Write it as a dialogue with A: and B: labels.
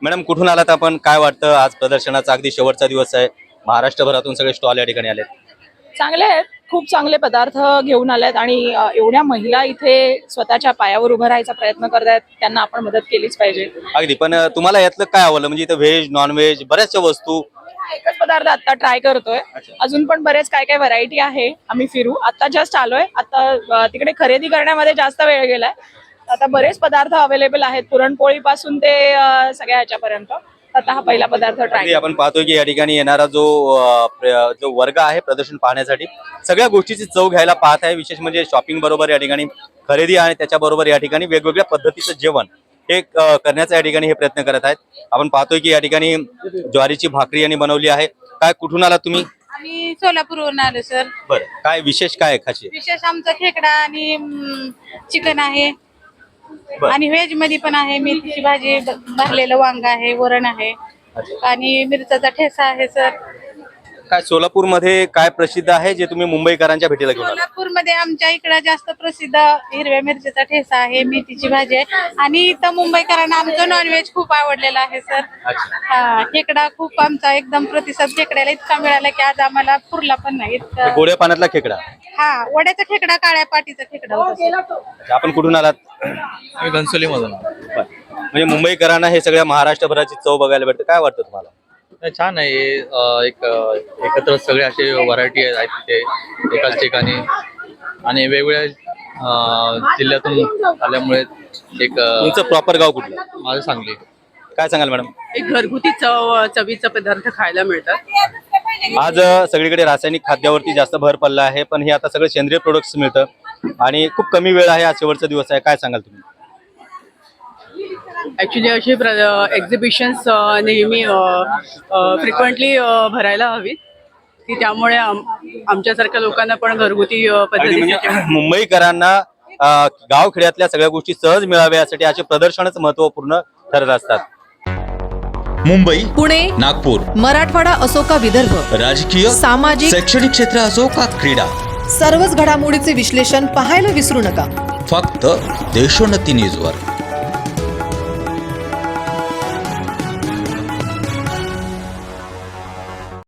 A: Madam कुठून आलात आपण? काय वाटतं आज प्रदर्शनाचा अगदी शेवटचा दिवस आहे, महाराष्ट्रभरातून सगळे स्टॉल या ठिकाणी आलेत.
B: चांगले आहेत, खूप चांगले पदार्थ घेऊन आलेत आणि एवढ्या महिला इथे स्वतःच्या पायावर उभं राहायचा प्रयत्न करतायत, त्यांना आपण मदत केलीच पाहिजे.
A: अगदी. पण तुम्हाला यातलं काय आवडलं? म्हणजे इथं व्हेज नॉन व्हेज बऱ्याचशा वस्तू.
B: एकच पदार्थ आता ट्राय करतोय, अजून पण बरेच काय काय व्हरायटी आहे. आम्ही फिरू, आता जस्ट आलोय. आता तिकडे खरेदी करण्यामध्ये जास्त वेळ गेलाय. आता बरेच पदार्थ अवेलेबल आहेत, पुरणपोळी पासून ते सगळ्या ह्याच्यापर्यंत. आता हा पहिला पदार्थ ट्राय.
A: अगदी आपण पाहतोय की या ठिकाणी येणारा जो जो वर्ग आहे प्रदर्शन पाहण्यासाठी सगळ्या गोष्टीची चव घ्यायला पाहत आहे. विशेष म्हणजे शॉपिंग बरोबर या ठिकाणी खरेदी आणि त्याच्याबरोबर या ठिकाणी वेगवेगळ्या पद्धतीचं जेवण हे करण्याचा या ठिकाणी हे प्रयत्न करत आहेत. आपण पाहतोय की या ठिकाणी ज्वारीची भाकरी यांनी बनवली आहे. काय कुठून आला तुम्ही?
C: आम्ही सोलापूरवरून आलो सर.
A: बरं, काय विशेष काय खाशी?
C: विशेष आमचा खेकडा आणि चिकन आहे
A: बरं.
C: आणि व्हेज मध्ये पण आहे. मेथीची भाजी, भरलेलं वांग आहे, वरण आहे आणि मिरचाचा ठेसा आहे सर.
A: काय सोलापूरमध्ये काय प्रसिद्ध आहे जे तुम्ही मुंबईकरांच्या भेटीला घेऊन आला?
C: सोलापूरमध्ये आमच्या इकडे जास्त प्रसिद्ध हिरव्या मिरचीचा ठेसा आहे, मेथीची भाजी आहे आणि इथं मुंबईकरांना आमचं नॉनव्हेज खूप आवडलेलं आहे सर. हा, खेकडा खूप आमचा एकदम प्रतिसाद खेकड्याला इतका मिळाला की आज आम्हाला पुरला पण नाही.
A: गोड्या पाण्यातला खेकडा.
C: हा, वड्याचा खेकडा, काळ्या पाटीचा खेकडा होता सर.
A: आपण कुठून आलात?
D: मी घनसोली मधून.
A: म्हणजे मुंबईकरांना हे सगळ्या महाराष्ट्रभराची चव बघायला भेटते. काय वाटतं तुम्हाला?
D: छान आहे. एक एकत्र सगळे असे व्हरायटी आहेत तिथे एकाच ठिकाणी आणि वेगवेगळ्या जिल्ह्यातून आल्यामुळे एक
A: तुमचं प्रॉपर गाव कुठलं?
D: माझं सांगली.
A: काय सांगाल मॅडम?
E: एक घरगुती चवीचा पदार्थ खायला मिळतात.
A: आज सगळीकडे रासायनिक खाद्यावरती जास्त भर पडला आहे, पण हे आता सगळं सेंद्रिय प्रोडक्ट्स मिळतं आणि खूप कमी वेळ आहे. आज शेवटचा दिवस आहे. काय सांगाल तुम्ही?
E: ऍक्च्युली अशी एक्झिबिशन्स नेहमी फ्रिक्वेंटली भरायला हवी की त्यामुळे आमच्यासारख्या लोकांना पण घरगुती
A: अगदी म्हणजे
E: पद्धतीचे
A: मुंबईकरांना गावखेड्यातल्या सगळ्या गोष्टी सहज मिळाव्या यासाठी असे प्रदर्शनच महत्वपूर्ण ठरत असतात.
F: मुंबई,
G: पुणे,
F: नागपूर,
G: मराठवाडा असो का विदर्भ,
F: राजकीय,
G: सामाजिक,
F: शैक्षणिक क्षेत्र असो का क्रीडा,
G: सर्वच घडामोडीचे विश्लेषण पाहायला विसरू नका.
F: फक्त देशोन्नती न्यूजवर.